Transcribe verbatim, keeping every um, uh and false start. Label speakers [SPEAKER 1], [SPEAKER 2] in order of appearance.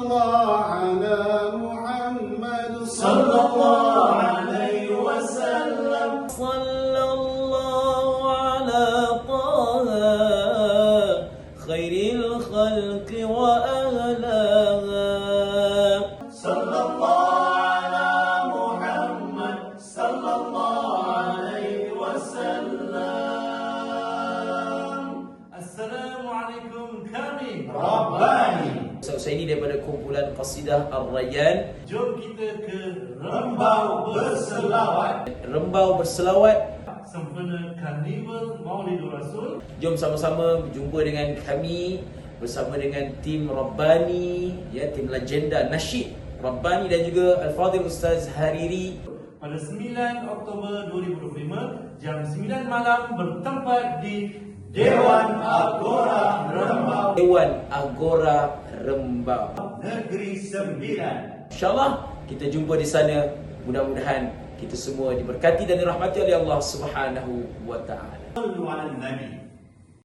[SPEAKER 1] الله على محمد
[SPEAKER 2] صلى الله عليه وسلم.
[SPEAKER 3] صلى الله على طه خير الخلق وأهلاها.
[SPEAKER 2] صلى الله على محمد صلى الله عليه وسلم. Assalamualaikum kami Rabbani.
[SPEAKER 3] Saya ini daripada kumpulan Qasidah Ar-Rayyan.
[SPEAKER 2] Jom kita ke Rembau berselawat.
[SPEAKER 3] Rembau berselawat
[SPEAKER 2] Sempena Karnival Maulidur Rasul.
[SPEAKER 3] Jom sama-sama berjumpa dengan kami bersama dengan tim Rabbani, ya, tim legenda nasyid Rabbani dan juga Al-Fadhil Ustaz Hariri
[SPEAKER 2] Pada sembilan Oktober dua ribu dua puluh lima jam sembilan malam bertempat di Dewan Agora Rembau,
[SPEAKER 3] Dewan Agora Rembau.
[SPEAKER 2] Negeri Sembilan.
[SPEAKER 3] InsyaAllah kita jumpa di sana. Mudah-mudahan kita semua diberkati dan dirahmati oleh Allah Subhanahu wa taala.
[SPEAKER 2] Sallu ala Nabi.